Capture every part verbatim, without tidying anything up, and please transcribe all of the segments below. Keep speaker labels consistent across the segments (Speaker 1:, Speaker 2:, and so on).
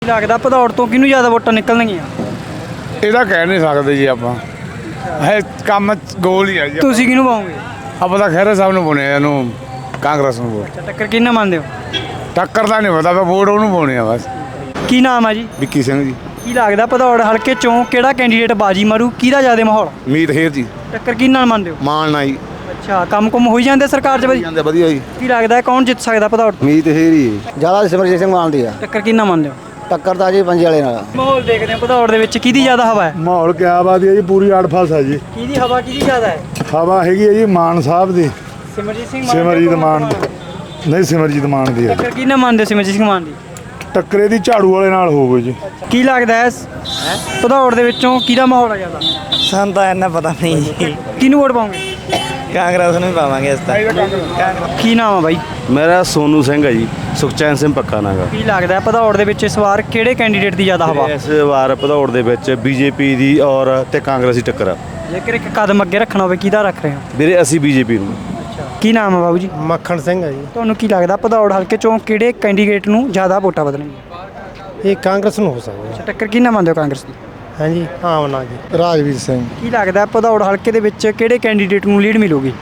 Speaker 1: ਲੱਗਦਾ ਭਦੌੜ ਤੋਂ ਕਿਹਨੂੰ ਜ਼ਿਆਦਾ ਵੋਟਾਂ ਨਿਕਲਣਗੀਆਂ?
Speaker 2: ਇਹਦਾ ਕਹਿ ਨਹੀਂ ਸਕਦੇ ਜੀ ਆਪਾਂ। ਹੈ ਕੰਮ ਗੋਲ ਹੀ ਹੈ ਜੀ।
Speaker 1: ਤੁਸੀਂ ਕਿਹਨੂੰ ਪਾਓਗੇ?
Speaker 2: ਆਪਾਂ ਤਾਂ ਖਹਿਰਾ ਸਾਹਿਬ ਨੂੰ ਪਾਉਣੇ ਆ, ਇਹਨੂੰ ਕਾਂਗਰਸ ਨੂੰ ਵੋਟ।
Speaker 1: ਅੱਛਾ, ਟੱਕਰ ਕਿਹਨਾਂ ਮੰਨਦੇ ਹੋ?
Speaker 2: ਟੱਕਰ ਦਾ ਨਹੀਂ ਪਤਾ, ਵੋਟ ਉਹਨੂੰ ਪਾਉਣੀ ਆ ਬਸ।
Speaker 1: ਕੀ ਨਾਮ ਆ ਜੀ?
Speaker 2: ਵਿੱਕੀ ਸਿੰਘ ਜੀ।
Speaker 1: ਕੀ ਲੱਗਦਾ ਭਦੌੜ ਹਲਕੇ ਚੋਂ ਕਿਹੜਾ ਕੈਂਡੀਡੇਟ ਬਾਜੀ ਮਾਰੂ, ਕਿਹਦਾ ਜ਼ਿਆਦਾ ਮਾਹੌਲ?
Speaker 2: ਮੀਤ ਹੇਰ ਜੀ।
Speaker 1: ਟੱਕਰ ਕਿਹਨਾਂ ਨਾਲ ਮੰਨਦੇ ਹੋ?
Speaker 2: ਮਾਨ ਨਾ ਜੀ।
Speaker 1: ਅੱਛਾ, ਕੰਮ ਕੁਮ ਹੋਈ ਜਾਂਦੇ ਸਰਕਾਰ 'ਚ ਵਧੀਆ?
Speaker 2: ਜਾਂਦੇ ਵਧੀਆ ਜੀ।
Speaker 1: ਕੀ ਲੱਗਦਾ ਕੌਣ ਜਿੱਤ ਸਕਦਾ ਭਦੌੜ?
Speaker 2: ਮੀਤ ਹੇਰ ਹੀ
Speaker 3: ਜ਼ਿਆਦਾ ਸਿਮਰਜੀਤ ਸਿੰਘ ਮਾਨ ਦੀ ਆ।
Speaker 1: ਟੱਕਰ ਕਿਹਨਾਂ ਮੰਨਦੇ ਹੋ?
Speaker 3: ਟੱਕਰ ਤਾਂ ਜੀ ਪੰਜੇ ਵਾਲੇ ਨਾਲ।
Speaker 1: ਮਾਹੌਲ ਦੇਖਦੇ ਆ ਭਦੌੜ ਦੇ ਵਿੱਚ ਕਿਹਦੀ ਜ਼ਿਆਦਾ ਹਵਾ ਹੈ?
Speaker 2: ਮਾਹੌਲ ਕਿਆ ਬਾਤ ਹੈ ਜੀ, ਪੂਰੀ ਆੜਫਾਸ ਹੈ ਜੀ।
Speaker 1: ਕਿਹਦੀ ਹਵਾ ਕਿਹਦੀ ਜ਼ਿਆਦਾ ਹੈ?
Speaker 2: ਹਵਾ ਹੈਗੀ ਹੈ ਜੀ ਮਾਨ ਸਾਹਿਬ ਦੀ।
Speaker 1: ਸਿਮਰਜੀਤ ਸਿੰਘ ਮਾਨ?
Speaker 2: ਸਿਮਰਜੀਤ ਮਾਨ ਨਹੀਂ, ਸਿਮਰਜੀਤ ਮਾਨ ਦੀ ਹੈ।
Speaker 1: ਟੱਕਰ ਕਿਹਨਾਂ ਮੰਨਦੇ ਹੋ ਸਿਮਰਜੀਤ ਸਿੰਘ ਮਾਨ ਦੀ?
Speaker 2: ਟੱਕਰੇ ਦੀ ਝਾੜੂ ਵਾਲੇ ਨਾਲ ਹੋਊਗੀ ਜੀ।
Speaker 1: ਕੀ ਲੱਗਦਾ ਹੈ ਭਦੌੜ ਦੇ ਵਿੱਚੋਂ ਕਿਹਦਾ ਮਾਹੌਲ ਹੈ ਜ਼ਿਆਦਾ?
Speaker 3: ਸਾਨੂੰ ਤਾਂ ਇੰਨਾ ਪਤਾ ਨਹੀਂ ਜੀ।
Speaker 1: ਕਿਹਨੂੰ ਵੋਟ ਪਾਓਗੇ?
Speaker 3: ਕਾਂਗਰਸ ਨੂੰ ਹੀ ਪਾਵਾਂਗੇ ਇਸ ਤਾਂ।
Speaker 1: ਕੀ ਨਾਮ ਆ ਬਾਈ?
Speaker 4: ਮੇਰਾ ਸੋਨੂ ਸਿੰਘ ਹੈ ਜੀ, ਸੁਖਚੈਨ ਸਿੰਘ ਪੱਕਾ ਨਾਗਾ।
Speaker 1: ਕੀ ਲੱਗਦਾ ਹੈ ਭਦੌੜ ਦੇ ਵਿੱਚ ਇਸ ਵਾਰ ਕਿਹੜੇ ਕੈਂਡੀਡੇਟ ਦੀ ਜ਼ਿਆਦਾ ਹਵਾ?
Speaker 4: ਇਸ ਵਾਰ ਭਦੌੜ ਦੇ ਵਿੱਚ ਬੀਜੇਪੀ ਦੀ ਔਰ ਤੇ ਕਾਂਗਰਸ ਦੀ ਟੱਕਰ ਆ।
Speaker 1: ਜੇਕਰ ਇੱਕ ਕਦਮ ਅੱਗੇ ਰੱਖਣਾ ਹੋਵੇ ਕਿਹਦਾ ਰੱਖ ਰਹੇ ਹੋ?
Speaker 4: ਵੀਰੇ ਅਸੀਂ ਬੀਜੇਪੀ ਨੂੰ।
Speaker 1: ਕੀ ਨਾਮ ਹੈ ਬਾਬੂ ਜੀ?
Speaker 3: ਮੱਖਣ ਸਿੰਘ ਹੈ ਜੀ।
Speaker 1: ਤੁਹਾਨੂੰ ਕੀ ਲੱਗਦਾ ਭਦੌੜ ਹਲਕੇ ਚੋਂ ਕਿਹੜੇ ਕੈਂਡੀਡੇਟ ਨੂੰ ਜ਼ਿਆਦਾ ਵੋਟਾਂ ਵਧਣਗੀਆਂ?
Speaker 3: ਇਹ ਕਾਂਗਰਸ ਨੂੰ ਹੋ ਸਕਦਾ।
Speaker 1: ਅੱਛਾ, ਟੱਕਰ ਕਿਹਨਾਂ ਮੰਨਦੇ ਹੋ ਕਾਂਗਰਸ ਦੀ?
Speaker 3: ਹਾਂਜੀ ਹਾਂ ਨਾ ਜੀ। ਰਾਜਵੀਰ ਸਿੰਘ।
Speaker 1: ਕੀ ਲੱਗਦਾ ਭਦੌੜ ਹਲਕੇ ਦੇ ਵਿੱਚ ਕਿਹੜੇ ਕੈਂਡੀਡੇਟ ਨੂੰ ਲੀਡ ਮਿਲੂਗੀ?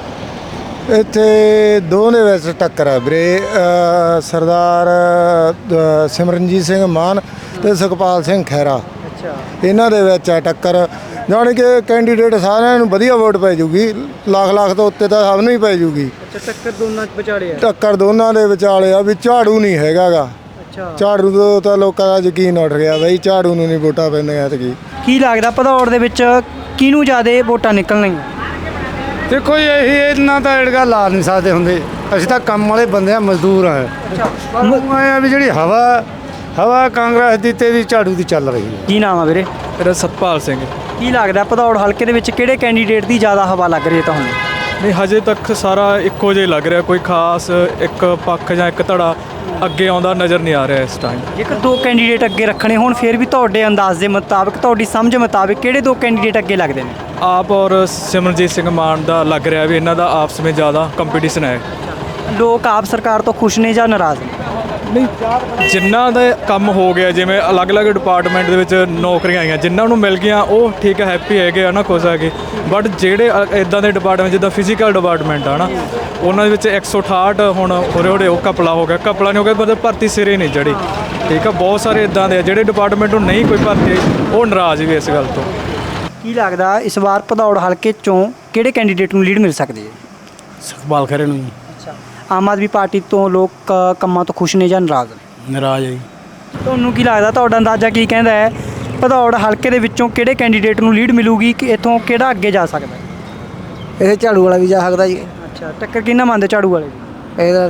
Speaker 3: ਇੱਥੇ ਦੋਨੇ ਵਿੱਚ ਟੱਕਰ ਹੈ ਵੀਰੇ। ਸਰਦਾਰ ਅ, ਸਿਮਰਨਜੀਤ ਸਿੰਘ ਮਾਨ ਤੇ ਸੁਖਪਾਲ ਸਿੰਘ ਖਹਿਰਾ,
Speaker 1: ਅੱਛਾ,
Speaker 3: ਇਹਨਾਂ ਦੇ ਵਿੱਚ ਹੈ ਟੱਕਰ। ਜਾਣੀ ਕਿ ਕੈਂਡੀਡੇਟ ਸਾਰਿਆਂ ਨੂੰ ਵਧੀਆ ਵੋਟ ਪੈ ਜੂਗੀ, ਲੱਖ ਲੱਖ ਤੋਂ ਉੱਤੇ ਤਾਂ ਸਭ ਨੂੰ ਹੀ ਪੈ ਜੂਗੀ।
Speaker 1: ਅੱਛਾ, ਟੱਕਰ ਦੋਨਾਂ ਵਿਚਾਲੇ ਹੈ।
Speaker 3: ਟੱਕਰ ਦੋਨਾਂ ਦੇ ਵਿਚਾਲੇ ਆ ਵੀ ਝਾੜੂ ਨਹੀਂ ਹੈਗਾਗਾ।
Speaker 1: ਅੱਛਾ,
Speaker 3: ਝਾੜੂ ਤੋਂ ਤਾਂ ਲੋਕਾਂ ਦਾ ਯਕੀਨ ਉੱਠ ਗਿਆ ਬਈ, ਝਾੜੂ ਨੂੰ ਨਹੀਂ ਵੋਟਾਂ ਪੈਂਦੀਆਂ ਐਤਕੀ।
Speaker 1: ਕੀ ਲੱਗਦਾ ਭਦੌੜ ਦੇ ਵਿੱਚ ਕਿਹਨੂੰ ਜ਼ਿਆਦਾ ਵੋਟਾਂ ਨਿਕਲਣਗੀਆਂ?
Speaker 3: ਦੇਖੋ ਜੀ, ਇਹੀ ਇਹਨਾਂ ਤਾਂ ਏੜਗਾ ਲਾ ਨਹੀਂ ਸਕਦੇ ਹੁੰਦੇ। ਅਸੀਂ ਤਾਂ ਕੰਮ ਵਾਲੇ ਬੰਦੇ ਆ, ਮਜ਼ਦੂਰ ਆ। ਸਾਨੂੰ ਐਂ ਆ ਵੀ ਜਿਹੜੀ ਹਵਾ ਹਵਾ ਕਾਂਗਰਸ ਦੀ ਤੇ ਵੀ ਝਾੜੂ ਦੀ ਚੱਲ ਰਹੀ ਹੈ।
Speaker 1: ਕੀ ਨਾਮ ਆ ਵੀਰੇ?
Speaker 5: ਮੇਰਾ ਸਤਪਾਲ ਸਿੰਘ।
Speaker 1: ਕੀ ਲੱਗਦਾ ਭਦੌੜ ਹਲਕੇ ਦੇ ਵਿੱਚ ਕਿਹੜੇ ਕੈਂਡੀਡੇਟ ਦੀ ਜ਼ਿਆਦਾ ਹਵਾ ਲੱਗ ਰਹੀ ਹੈ ਤੁਹਾਨੂੰ?
Speaker 5: ਨਹੀਂ, ਹਜੇ ਤੱਕ ਸਾਰਾ ਇੱਕੋ ਜਿਹਾ ਹੀ ਲੱਗ ਰਿਹਾ, ਕੋਈ ਖਾਸ ਇੱਕ ਪੱਖ ਜਾਂ ਇੱਕ ਧੜਾ ਅੱਗੇ ਆਉਂਦਾ ਨਜ਼ਰ ਨਹੀਂ ਆ ਰਿਹਾ ਇਸ ਟਾਈਮ।
Speaker 1: ਜੇਕਰ ਦੋ ਕੈਂਡੀਡੇਟ ਅੱਗੇ ਰੱਖਣੇ ਹੋਣ ਫਿਰ ਵੀ ਤੁਹਾਡੇ ਅੰਦਾਜ਼ ਦੇ ਮੁਤਾਬਕ, ਤੁਹਾਡੀ ਸਮਝ ਮੁਤਾਬਕ ਕਿਹੜੇ ਦੋ ਕੈਂਡੀਡੇਟ ਅੱਗੇ ਲੱਗਦੇ ਨੇ?
Speaker 5: ਆਪ ਔਰ ਸਿਮਰਨਜੀਤ ਸਿੰਘ ਮਾਨ ਦਾ ਲੱਗ ਰਿਹਾ ਵੀ ਇਹਨਾਂ ਦਾ ਆਪਸ ਵਿੱਚ ਜ਼ਿਆਦਾ ਕੰਪੀਟੀਸ਼ਨ ਹੈ।
Speaker 1: ਲੋਕ ਆਪ ਸਰਕਾਰ ਤੋਂ ਖੁਸ਼ ਨੇ ਜਾਂ ਨਾਰਾਜ਼ ਨੇ?
Speaker 5: ਨਹੀਂ, ਜਿਨ੍ਹਾਂ ਦਾ ਕੰਮ ਹੋ ਗਿਆ, ਜਿਵੇਂ ਅਲੱਗ-ਅਲੱਗ ਡਿਪਾਰਟਮੈਂਟ ਦੇ ਵਿੱਚ ਨੌਕਰੀਆਂ ਆਈਆਂ, ਜਿਨ੍ਹਾਂ ਨੂੰ ਮਿਲ ਗਈਆਂ ਉਹ ਠੀਕ ਹੈ, ਹੈਪੀ ਹੈਗੇ ਆ ਨਾ, ਖੁਸ਼ ਹੈਗੇ। ਬਟ ਜਿਹੜੇ ਇਦਾਂ ਦੇ ਡਿਪਾਰਟਮੈਂਟ ਜਿੱਦਾਂ ਫਿਜ਼ੀਕਲ ਡਿਪਾਰਟਮੈਂਟ ਆ ਨਾ, ਉਹਨਾਂ ਦੇ ਵਿੱਚ ਇੱਕ ਸੌ ਅਠਾਹਠ ਹੁਣ ਹੋਰੇ ਹੋਰੇ ਉਹ ਘਪਲਾ ਹੋ ਗਿਆ, ਘਪਲਾ ਨਹੀਂ ਹੋ ਗਿਆ ਮਤਲਬ ਭਰਤੀ ਸਿਰੇ ਨਹੀਂ ਚੜ੍ਹੀ। ਠੀਕ ਆ, ਬਹੁਤ ਸਾਰੇ ਇਦਾਂ ਦੇ ਆ ਜਿਹੜੇ ਡਿਪਾਰਟਮੈਂਟ ਨੂੰ ਨਹੀਂ ਕੋਈ ਭਰਤੀ ਆਈ, ਉਹ ਨਾਰਾਜ਼ ਵੀ ਇਸ ਗੱਲ ਤੋਂ।
Speaker 1: ਕੀ ਲੱਗਦਾ ਇਸ ਵਾਰ ਭਦੌੜ ਹਲਕੇ ਚੋਂ ਕਿਹੜੇ ਕੈਂਡੀਡੇਟ ਨੂੰ ਲੀਡ ਮਿਲ ਸਕਦੀ ਹੈ?
Speaker 3: ਸੁਖਪਾਲ ਖਹਿਰੇ ਨੂੰ
Speaker 1: ਅੱਛਾ, ਆਮ ਆਦਮੀ ਪਾਰਟੀ ਤੋਂ ਲੋਕ ਕੰਮਾਂ ਤੋਂ ਖੁਸ਼ ਨੇ ਜਾਂ ਨਾਰਾਜ਼ ਨੇ?
Speaker 3: ਨਾਰਾਜ਼ ਹੈ ਜੀ।
Speaker 1: ਤੁਹਾਨੂੰ ਕੀ ਲੱਗਦਾ, ਤੁਹਾਡਾ ਅੰਦਾਜ਼ਾ ਕੀ ਕਹਿੰਦਾ ਹੈ ਭਦੌੜ ਹਲਕੇ ਦੇ ਵਿੱਚੋਂ ਕਿਹੜੇ ਕੈਂਡੀਡੇਟ ਨੂੰ ਲੀਡ ਮਿਲੂਗੀ ਕਿ ਇੱਥੋਂ ਕਿਹੜਾ ਅੱਗੇ ਜਾ ਸਕਦਾ?
Speaker 3: ਇਹ ਝਾੜੂ ਵਾਲਾ ਵੀ ਜਾ ਸਕਦਾ ਜੀ।
Speaker 1: ਅੱਛਾ, ਟੱਕਰ ਕਿਹਨਾਂ ਮੰਨਦੇ ਝਾੜੂ ਵਾਲੇ ਦੀ?
Speaker 3: ਇਹਦਾ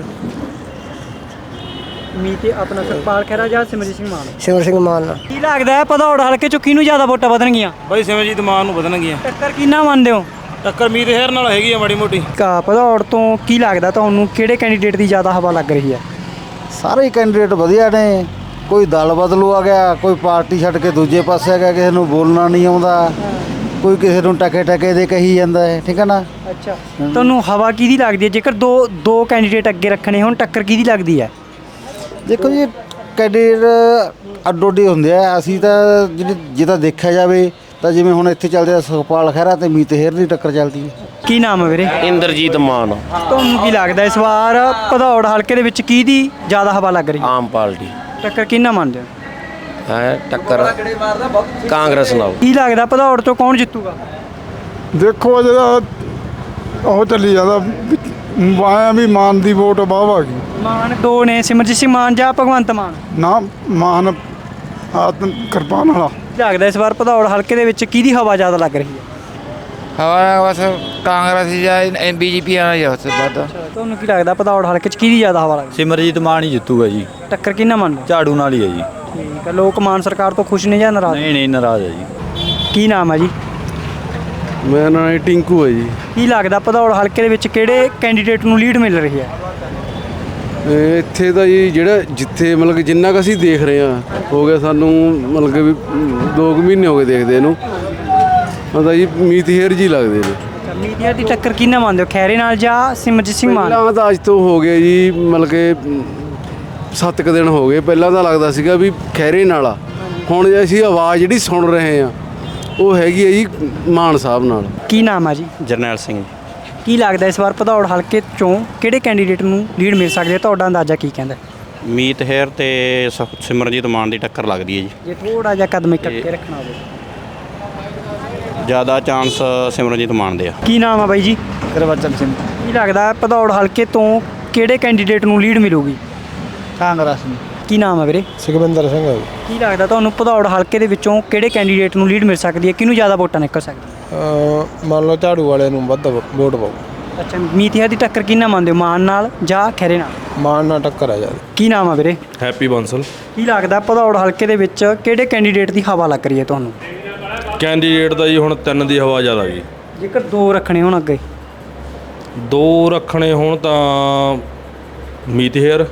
Speaker 1: ਮੀਤ ਆਪਣਾ ਸੁਖਪਾਲ ਖਹਿਰਾ ਜਾਂ ਸਿਮਰਜੀਤ ਸਿੰਘ ਮਾਨ?
Speaker 3: ਸਿਮਰ ਸਿੰਘ ਮਾਨ।
Speaker 1: ਕੀ ਲੱਗਦਾ ਹੈ ਭਦੌੜ ਹਲਕੇ ਚੋਂ ਕਿਹਨੂੰ ਜ਼ਿਆਦਾ ਵੋਟਾਂ ਵਧਣਗੀਆਂ?
Speaker 6: ਬਾਈ ਸਿਮਰਜੀਤ ਮਾਨ ਨੂੰ ਵਧਣਗੀਆਂ।
Speaker 1: ਟੱਕਰ ਕਿਹਨਾਂ ਮੰਨਦੇ ਹੋ?
Speaker 6: ਟੱਕਰ ਮੀਤ ਹੇਰ ਨਾਲ ਹੈਗੀ ਆ ਮਾੜੀ ਮੋਟੀ।
Speaker 1: ਕਾ ਭਦੌੜ ਤੋਂ ਕੀ ਲੱਗਦਾ ਤੁਹਾਨੂੰ ਕਿਹੜੇ ਕੈਂਡੀਡੇਟ ਦੀ ਜ਼ਿਆਦਾ ਹਵਾ ਲੱਗ ਰਹੀ ਹੈ?
Speaker 3: ਸਾਰੇ ਕੈਂਡੀਡੇਟ ਵਧੀਆ ਨੇ। ਕੋਈ ਦਲ ਬਦਲੂ ਆ ਗਿਆ, ਕੋਈ ਪਾਰਟੀ ਛੱਡ ਕੇ ਦੂਜੇ ਪਾਸੇ ਆ ਗਿਆ, ਕਿਸੇ ਨੂੰ ਬੋਲਣਾ ਨਹੀਂ ਆਉਂਦਾ, ਕੋਈ ਕਿਸੇ ਨੂੰ ਟਕੇ ਟਕੇ ਦੇ ਕਹੀ ਜਾਂਦਾ ਹੈ। ਠੀਕ ਹੈ ਨਾ।
Speaker 1: ਅੱਛਾ, ਤੁਹਾਨੂੰ ਹਵਾ ਕਿਹਦੀ ਲੱਗਦੀ ਹੈ? ਜੇਕਰ ਦੋ ਦੋ ਕੈਂਡੀਡੇਟ ਅੱਗੇ ਰੱਖਣੇ ਹੁਣ ਟੱਕਰ ਕਿਹਦੀ ਲੱਗਦੀ ਹੈ?
Speaker 3: ਦੇਖੋ ਜੀ, ਕੈਂਡੀਡੇਟ ਅੱਡੋ ਅੱਡੀ ਹੁੰਦੇ ਆ। ਅਸੀਂ ਤਾਂ ਜਿਹੜੀ ਜੇ ਤਾਂ ਦੇਖਿਆ ਜਾਵੇ ਤਾਂ ਜਿਵੇਂ ਹੁਣ ਇੱਥੇ ਚੱਲਦੇ ਆ ਸੁਖਪਾਲ ਖਹਿਰਾ ਤੇ ਮੀਤ ਹੇਰ ਦੀ ਟੱਕਰ ਚੱਲਦੀ ਹੈ।
Speaker 1: ਕੀ ਨਾਮ ਹੈ ਵੀਰੇ?
Speaker 7: ਇੰਦਰਜੀਤ ਮਾਨ।
Speaker 1: ਤੁਹਾਨੂੰ ਕੀ ਲੱਗਦਾ ਇਸ ਵਾਰ ਭਦੌੜ ਹਲਕੇ ਦੇ ਵਿੱਚ ਕਿਹਦੀ ਜ਼ਿਆਦਾ ਹਵਾ ਲੱਗ ਰਹੀ ਹੈ?
Speaker 7: ਆਮ ਪਾਰਟੀ
Speaker 1: ਟੱਕਰ ਕਿਹਨਾਂ ਮੰਨਦੇ ਹੋ?
Speaker 7: ਹੈ ਟੱਕਰ ਕਾਂਗਰਸ ਨਾਲ।
Speaker 1: ਕੀ ਲੱਗਦਾ ਭਦੌੜ ਤੋਂ ਕੌਣ ਜਿੱਤੂਗਾ?
Speaker 2: ਦੇਖੋ ਜਿਹੜਾ ਉਹ ਚੱਲੀ ਜਾਂਦਾ ਆਇਆ ਵੀ ਮਾਨ ਦੀ ਵੋਟ ਵਾਹ ਆ ਗਈ।
Speaker 1: ਮਾਨ ਦੋ ਨੇ, ਸਿਮਰਜੀਤ ਸਿੰਘ ਮਾਨ ਜਾਂ ਭਗਵੰਤ ਮਾਨ?
Speaker 2: ਨਾ ਮਾਨ ਆਤਮ ਕਿਰਪਾਨ ਵਾਲਾ।
Speaker 1: ਕੀ ਲੱਗਦਾ ਇਸ ਵਾਰ ਭਦੌੜ ਹਲਕੇ ਦੇ ਵਿੱਚ ਕਿਹਦੀ ਹਵਾ ਜ਼ਿਆਦਾ ਲੱਗ ਰਹੀ ਹੈ?
Speaker 8: ਹਵਾ ਬਸ ਕਾਂਗਰਸ ਜਾਂ ਬੀਜੇਪੀ ਆ ਜਾਂ ਉਸ ਬਾਅਦ।
Speaker 1: ਤੁਹਾਨੂੰ ਕੀ ਲੱਗਦਾ ਭਦੌੜ ਹਲਕੇ 'ਚ ਕਿਹਦੀ ਜ਼ਿਆਦਾ ਹਵਾ ਲੱਗਦੀ?
Speaker 4: ਸਿਮਰਜੀਤ ਮਾਨ ਹੀ ਜਿੱਤੂਗਾ ਜੀ।
Speaker 1: ਟੱਕਰ ਕਿਹਨਾਂ ਮੰਨਦੇ?
Speaker 4: ਝਾੜੂ ਨਾਲ ਹੀ ਹੈ ਜੀ।
Speaker 1: ਠੀਕ ਹੈ, ਲੋਕ ਮਾਨ ਸਰਕਾਰ ਤੋਂ ਖੁਸ਼ ਨੇ ਜਾਂ ਨਾਰਾਜ਼?
Speaker 4: ਨਹੀਂ ਨਹੀਂ, ਨਾਰਾਜ਼ ਹੈ ਜੀ।
Speaker 1: ਕੀ ਨਾਮ ਹੈ ਜੀ?
Speaker 4: ਮੇਰਾ ਨਾਮ ਟਿੰਕੂ ਹੈ ਜੀ।
Speaker 1: ਕੀ ਲੱਗਦਾ ਭਦੌੜ ਹਲਕੇ ਦੇ ਵਿੱਚ ਕਿਹੜੇ ਕੈਂਡੀਡੇਟ ਨੂੰ ਲੀਡ ਮਿਲ ਰਹੀ ਹੈ?
Speaker 4: ਇੱਥੇ ਤਾਂ ਜੀ ਜਿਹੜਾ ਜਿੱਥੇ ਮਤਲਬ ਕਿ ਜਿੰਨਾ ਕੁ ਅਸੀਂ ਦੇਖ ਰਹੇ ਹਾਂ, ਹੋ ਗਿਆ ਸਾਨੂੰ ਮਤਲਬ ਕਿ ਵੀ ਦੋ ਕੁ ਮਹੀਨੇ ਹੋ ਗਏ ਦੇਖਦੇ ਇਹਨੂੰ, ਮਤਲਬ ਜੀ ਮੀਤ ਹੇਰ ਜੀ ਲੱਗਦੇ ਨੇ।
Speaker 1: ਮੀਡੀਆ ਦੀ ਟੱਕਰ ਕਿਹਨਾਂ ਮੰਨਦੇ ਹੋ, ਖੈਰੇ ਨਾਲ ਜਾਂ ਸਿਮਰਜੀਤ ਸਿੰਘ ਮਾਨ?
Speaker 4: ਪਹਿਲਾਂ ਤਾਂ ਅੱਜ ਤੋਂ ਹੋ ਗਿਆ ਜੀ ਮਤਲਬ ਕਿ ਸੱਤ ਕੁ ਦਿਨ ਹੋ ਗਏ, ਪਹਿਲਾਂ ਤਾਂ ਲੱਗਦਾ ਸੀਗਾ ਵੀ ਖਹਿਰੇ ਨਾਲ ਆ, ਹੁਣ ਅਸੀਂ ਆਵਾਜ਼ ਜਿਹੜੀ ਸੁਣ ਰਹੇ ਆ ਉਹ ਹੈਗੀ ਹੈ ਜੀ ਮਾਨ ਸਾਹਿਬ ਨਾਲ।
Speaker 1: ਕੀ ਨਾਮ ਆ ਜੀ?
Speaker 9: ਜਰਨੈਲ ਸਿੰਘ।
Speaker 1: ਕੀ ਲੱਗਦਾ ਇਸ ਵਾਰ ਭਦੌੜ ਹਲਕੇ ਚੋਂ ਕਿਹੜੇ ਕੈਂਡੀਡੇਟ ਨੂੰ ਲੀਡ ਮਿਲ ਸਕਦੀ ਹੈ? ਤੁਹਾਡਾ ਅੰਦਾਜ਼ਾ ਕੀ ਕਹਿੰਦਾ?
Speaker 9: ਮੀਤ ਹੇਰ ਤੇ ਸ- ਸਿਮਰਨਜੀਤ ਮਾਨ ਦੀ ਟੱਕਰ ਲੱਗਦੀ ਹੈ ਜੀ।
Speaker 1: ਜੇ ਥੋੜਾ ਜਿਹਾ ਕਦਮ ਇੱਕ ਅੱਗੇ ਰੱਖਣਾ ਹੋਵੇ।
Speaker 9: ਜ਼ਿਆਦਾ ਚਾਂਸ ਸਿਮਰਨਜੀਤ ਮਾਨ ਦੇ ਆ।
Speaker 1: ਕੀ ਨਾਮ ਆ ਬਾਈ ਜੀ?
Speaker 3: ਗੁਰਬਚਨ ਸਿੰਘ।
Speaker 1: ਕੀ ਲੱਗਦਾ ਭਦੌੜ ਹਲਕੇ ਤੋਂ ਕਿਹੜੇ ਕੈਂਡੀਡੇਟ ਨੂੰ ਲੀਡ ਮਿਲੂਗੀ?
Speaker 3: ਕਾਂਗਰਸ ਨੂੰ।
Speaker 1: ਕੀ ਨਾਮ ਆ ਵੀਰੇ?
Speaker 3: ਸੁਖਵਿੰਦਰ ਸਿੰਘ।
Speaker 1: ਕੀ ਲੱਗਦਾ ਤੁਹਾਨੂੰ ਭਦੌੜ ਹਲਕੇ ਦੇ ਵਿੱਚੋਂ ਕਿਹੜੇ ਕੈਂਡੀਡੇਟ ਨੂੰ ਲੀਡ ਮਿਲ ਸਕਦੀ ਹੈ? ਕਿਹਨੂੰ ਜ਼ਿਆਦਾ ਵੋਟਾਂ ਨਿਕਲ ਸਕਦੀਆਂ?
Speaker 3: ਮੰਨ ਲਓ ਝਾੜੂ ਵਾਲੇ ਨੂੰ ਵੱਧ ਵੋਟ ਪਾਓ।
Speaker 1: ਅੱਛਾ, ਮੀਤ ਹੇਰ ਦੀ ਟੱਕਰ ਕਿਹਨਾਂ ਮੰਨਦੇ ਹੋ, ਮਾਨ ਨਾਲ ਜਾਂ ਖੈਰੇ ਨਾਲ?
Speaker 3: ਮਾਨ ਨਾਲ ਟੱਕਰ ਆ ਜਾਂਦੀ।
Speaker 1: ਕੀ ਨਾਮ ਆ ਵੀਰੇ?
Speaker 5: ਹੈਪੀ ਬੰਸਲ।
Speaker 1: ਕੀ ਲੱਗਦਾ ਭਦੌੜ ਹਲਕੇ ਦੇ ਵਿੱਚ ਕਿਹੜੇ ਕੈਂਡੀਡੇਟ ਦੀ ਹਵਾ ਲੱਗ ਰਹੀ ਹੈ ਤੁਹਾਨੂੰ?
Speaker 5: ਕੈਂਡੀਡੇਟ ਦਾ ਜੀ ਹੁਣ ਤਿੰਨ ਦੀ ਹਵਾ ਜ਼ਿਆਦਾ ਗਈ।
Speaker 1: ਜੇਕਰ ਦੋ ਰੱਖਣੇ ਹੋਣ ਅੱਗੇ?
Speaker 5: ਦੋ ਰੱਖਣੇ ਹੋਣ ਤਾਂ ਮੀਤ ਹੇਰ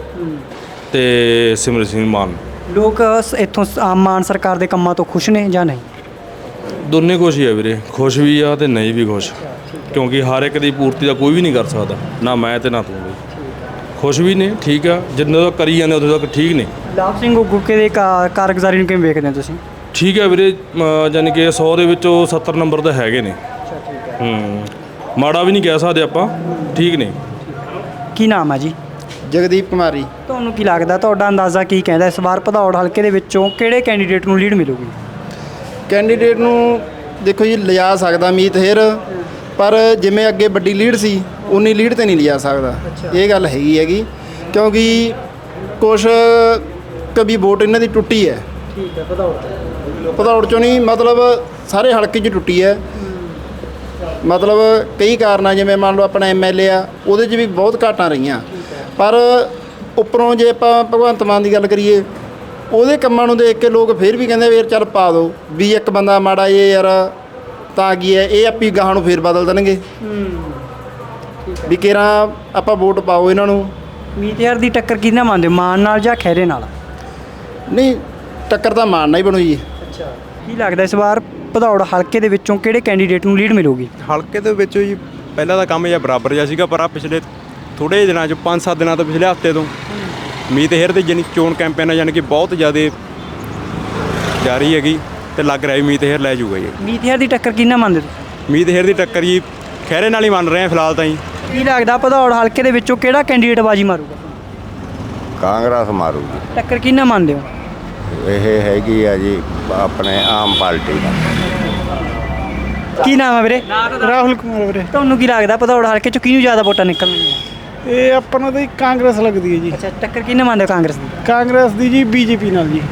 Speaker 5: ਤੇ ਸਿਮਰਨ ਸਿੰਘ ਮਾਨ।
Speaker 1: ਲੋਕ ਸ- ਇੱਥੋਂ ਸ- ਆਮ ਮਾਨ ਸਰਕਾਰ ਦੇ ਕੰਮਾਂ ਤੋਂ ਖੁਸ਼ ਨੇ ਜਾਂ ਨਹੀਂ?
Speaker 5: ਦੋਨੇ ਖੁਸ਼ ਹੀ ਆ ਵੀਰੇ, ਖੁਸ਼ ਵੀ ਆ ਤੇ ਨਹੀਂ ਵੀ ਖੁਸ਼, ਕਿਉਂਕਿ ਹਰ ਇੱਕ ਦੀ ਪੂਰਤੀ ਦਾ ਕੋਈ ਵੀ ਨਹੀਂ ਕਰ ਸਕਦਾ, ਨਾ ਮੈਂ ਤੇ ਨਾ ਤੂੰ ਵੀ। ਖੁਸ਼ ਵੀ ਨੇ, ਠੀਕ ਆ, ਜਿੰਨੇ ਤੱਕ ਕਰੀ ਜਾਂਦੇ ਉਦੋਂ ਤੱਕ ਠੀਕ ਨੇ।
Speaker 1: ਲਾਭ ਸਿੰਘ ਗੁੱਗੇ ਦੇ ਕਾ- ਕਾਰਗੁਜ਼ਾਰੀ ਨੂੰ ਕਿਵੇਂ ਵੇਖਦੇ ਹੋ ਤੁਸੀਂ?
Speaker 5: ਠੀਕ ਹੈ ਵੀਰੇ, ਅਮ ਯਾਨੀ ਕਿ ਸੌ ਦੇ ਵਿੱਚੋਂ ਸੱਤਰ ਨੰਬਰ ਤਾਂ ਹੈਗੇ ਨੇ। ਹੂੰ, ਮਾੜਾ ਵੀ ਨਹੀਂ ਕਹਿ ਸਕਦੇ ਆਪਾਂ, ਠੀਕ ਨੇ।
Speaker 1: ਕੀ ਨਾਮ ਹੈ ਜੀ?
Speaker 3: ਜਗਦੀਪ ਕੁਮਾਰੀ।
Speaker 1: ਤੁਹਾਨੂੰ ਕੀ ਲੱਗਦਾ, ਤੁਹਾਡਾ ਅੰਦਾਜ਼ਾ ਕੀ ਕਹਿੰਦਾ ਇਸ ਵਾਰ ਭਦੌੜ ਹਲਕੇ ਦੇ ਵਿੱਚੋਂ ਕਿਹੜੇ ਕੈਂਡੀਡੇਟ ਨੂੰ ਲੀਡ ਮਿਲੂਗੀ?
Speaker 10: ਕੈਂਡੀਡੇਟ ਨੂੰ ਦੇਖੋ ਜੀ ਲਿਜਾ ਸਕਦਾ ਮੀਤ ਹੇਰ, ਪਰ ਜਿਵੇਂ ਅੱਗੇ ਵੱਡੀ ਲੀਡ ਸੀ ਉਨੀ ਲੀਡ ਤੇ ਨਹੀਂ ਲਿਜਾ ਸਕਦਾ। ਇਹ ਗੱਲ ਹੈਗੀ ਹੈਗੀ ਕਿਉਂਕਿ ਕੁਛ ਕभी ਵੋਟ ਇਹਨਾਂ ਦੀ ਟੁੱਟੀ ਹੈ।
Speaker 1: ਠੀਕ ਹੈ, ਭਦੌੜ
Speaker 10: ਭਦੌੜ ਚੋਂ ਨਹੀਂ, ਮਤਲਬ ਸਾਰੇ ਹਲਕੇ 'ਚ ਟੁੱਟੀ ਹੈ। ਮਤਲਬ ਕਈ ਕਾਰਨਾਂ, ਜਿਵੇਂ ਮੰਨ ਲਓ ਆਪਣਾ ਐਮ ਐਲ ਏ ਆ, ਉਹਦੇ 'ਚ ਵੀ ਬਹੁਤ ਘਾਟਾਂ ਰਹੀਆਂ, ਪਰ ਉੱਪਰੋਂ ਜੇ ਆਪਾਂ ਭਗਵੰਤ ਮਾਨ ਦੀ ਗੱਲ ਕਰੀਏ, ਉਹਦੇ ਕੰਮਾਂ ਨੂੰ ਦੇਖ ਕੇ ਲੋਕ ਫਿਰ ਵੀ ਕਹਿੰਦੇ ਵੀ ਯਾਰ ਚੱਲ ਪਾ ਦਿਓ, ਵੀ ਇੱਕ ਬੰਦਾ ਮਾੜਾ ਇਹ ਯਾਰ ਤਾਂ ਕੀ ਹੈ, ਇਹ ਆਪੀ ਗਾਹਾਂ ਨੂੰ ਫੇਰ ਬਦਲ ਦੇਣਗੇ ਵੀ ਕੇਰਾਂ ਆਪਾਂ ਵੋਟ ਪਾਓ ਇਹਨਾਂ ਨੂੰ।
Speaker 1: ਮੀਤ ਹੇਰ ਦੀ ਟੱਕਰ ਕਿਹਨਾਂ ਮੰਨਦੇ ਹੋ, ਮਾਨ ਨਾਲ ਜਾਂ ਖੈਰੇ ਨਾਲ?
Speaker 10: ਨਹੀਂ, ਟੱਕਰ ਤਾਂ ਮਾਨ ਨਾਲ ਹੀ ਬਣੂ ਜੀ।
Speaker 1: ਅੱਛਾ, ਕੀ ਲੱਗਦਾ ਇਸ ਵਾਰ ਭਦੌੜ ਹਲਕੇ ਦੇ ਵਿੱਚੋਂ ਕਿਹੜੇ ਕੈਂਡੀਡੇਟ ਨੂੰ ਲੀਡ ਮਿਲੂਗੀ?
Speaker 11: ਹਲਕੇ ਦੇ ਵਿੱਚ ਜੀ ਪਹਿਲਾਂ ਦਾ ਕੰਮ ਜਿਹਾ ਬਰਾਬਰ ਜਿਹਾ ਸੀਗਾ, ਪਰ ਆ ਪਿਛਲੇ ਥੋੜ੍ਹੇ ਜਿਹੇ ਦਿਨਾਂ 'ਚ ਪੰਜ ਸੱਤ ਦਿਨਾਂ ਤੋਂ ਪਿਛਲੇ ਹਫ਼ਤੇ ਤੋਂ ਮੀਤ ਹੇਰ ਦੀ ਜਾਨੀ ਚੋਣ ਕੈਂਪੇਨ ਆ, ਯਾਨੀ ਕਿ ਬਹੁਤ ਜ਼ਿਆਦਾ ਜਾਰੀ ਹੈਗੀ ਤੇ ਲੱਗ ਰਿਹਾ ਵੀ ਮੀਤ ਹੇਰ ਲੈ ਜਾਊਗਾ ਜੀ।
Speaker 1: ਮੀਤ ਹੇਰ ਦੀ ਟੱਕਰ ਕਿਹਨਾਂ ਮੰਨਦੇ ਤੁਸੀਂ?
Speaker 11: ਮੀਤ ਹੇਰ ਦੀ ਟੱਕਰ ਜੀ ਖਹਿਰੇ ਨਾਲ ਹੀ ਮੰਨ ਰਹੇ ਆ ਫਿਲਹਾਲ ਤਾਂ ਜੀ।
Speaker 1: ਕੀ ਲੱਗਦਾ ਭਦੌੜ ਹਲਕੇ ਦੇ ਵਿੱਚੋਂ ਕਿਹੜਾ ਕੈਂਡੀਡੇਟ ਬਾਜੀ ਮਾਰੂਗਾ?
Speaker 12: ਕਾਂਗਰਸ ਮਾਰੂਗੀ।
Speaker 1: ਟੱਕਰ ਕਿਹਨਾਂ ਮੰਨਦੇ ਹੋ?
Speaker 12: ਇਹ ਹੈਗੀ ਆ ਜੀ ਆਪਣੇ ਆਮ ਪਾਰਟੀ ਦਾ।
Speaker 1: ਕੀ ਨਾਮ ਹੈ ਵੀਰੇ?
Speaker 3: ਰਾਹੁਲ ਕੁਮਾਰ ਵੀਰੇ।
Speaker 1: ਤੁਹਾਨੂੰ ਕੀ ਲੱਗਦਾ ਭਦੌੜ ਹਲਕੇ ਚੋਂ ਕਿਹਨੂੰ ਜ਼ਿਆਦਾ ਵੋਟਾਂ ਨਿਕਲਣਗੀਆਂ?
Speaker 3: ਇਹ ਆਪਾਂ ਨੂੰ ਤਾਂ ਕਾਂਗਰਸ ਲੱਗਦੀ ਹੈ ਜੀ।
Speaker 1: ਅੱਛਾ, ਟੱਕਰ ਕਿਹਨੇ ਮੰਨਦੇ ਹੋ ਕਾਂਗਰਸ ਦੀ?
Speaker 3: ਕਾਂਗਰਸ ਦੀ ਜੀ ਬੀਜੇਪੀ ਨਾਲ ਜੀ।